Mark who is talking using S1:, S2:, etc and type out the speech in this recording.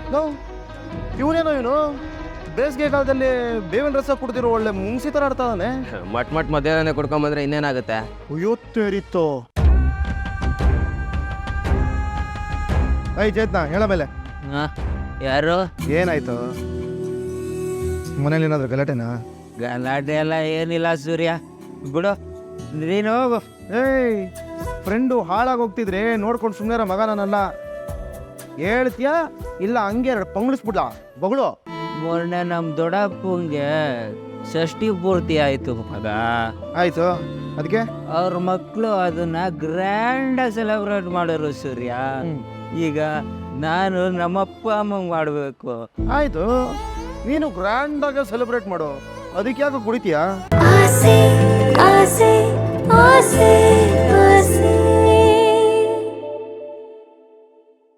S1: ಇವನೇನೋ ಬೇಸಿಗೆ ಕಾಲದಲ್ಲಿ ಬೇವಿನ ರಸ ಕುಡ್ದಿರೋ ಒಳ್ಳೆ ಮುಂಗ್ಸಿ ಥರ ಆಡ್ತಾನೆ.
S2: ಮಟ್ ಮಧ್ಯಾಹ್ನ ಕುಡ್ಕೊಂಬಂದ್ರೆ ಇನ್ನೇನಾಗುತ್ತೆ?
S1: ಅಯ್ಯೋತ್ತೇರಿತ್ತು. ಚೇತ್ನ ಹೇಳ ಮೇಲೆ
S2: ಯಾರು?
S1: ಏನಾಯ್ತು? ಮನೇಲಿ ಏನಾದ್ರು ಗಲಾಟೆನಾ?
S2: ಗಲಾಟೆ ಎಲ್ಲ ಏನಿಲ್ಲ ಸೂರ್ಯ, ಬಿಡು ನೀನು ಹೋಗು.
S1: ಫ್ರೆಂಡು ಹಾಳಾಗಿ ಹೋಗ್ತಿದ್ರೆ ನೋಡ್ಕೊಂಡು ಸುಮ್ಮನೆ ಮಗ ನಾನಲ್ಲ. ಹೇಳ್ತೀಯಾ ಇಲ್ಲ ಹಂಗೆ ಪಂಗ್ಳಿಸ್ಬಿಡ್ಲಾ ಬಗಳು?
S2: ಮೊನ್ನೆ ನಮ್ಮ ದೊಡ್ಡಪ್ಪಂಗೆ ಷಷ್ಠಿ ಪೂರ್ತಿ ಆಯ್ತು ಮಗ.
S1: ಆಯ್ತು, ಅದಕ್ಕೆ
S2: ಅವ್ರ ಮಕ್ಕಳು ಅದನ್ನ ಗ್ರ್ಯಾಂಡಾಗಿ ಸೆಲೆಬ್ರೇಟ್ ಮಾಡೋರು ಸೂರ್ಯ. ಈಗ ನಾನು ನಮ್ಮಪ್ಪ ಅಮ್ಮಂಗೆ ಮಾಡಬೇಕು.
S1: ಆಯ್ತು, ನೀನು ಗ್ರ್ಯಾಂಡ್ ಆಗಿ ಸೆಲೆಬ್ರೇಟ್ ಮಾಡು, ಅದಕ್ಕೆ ಯಾಕೆ ಕುಡಿತೀಯಾ?
S3: ಆಸೆ ಆಸೆ ಆಸೆ ಆಸೆ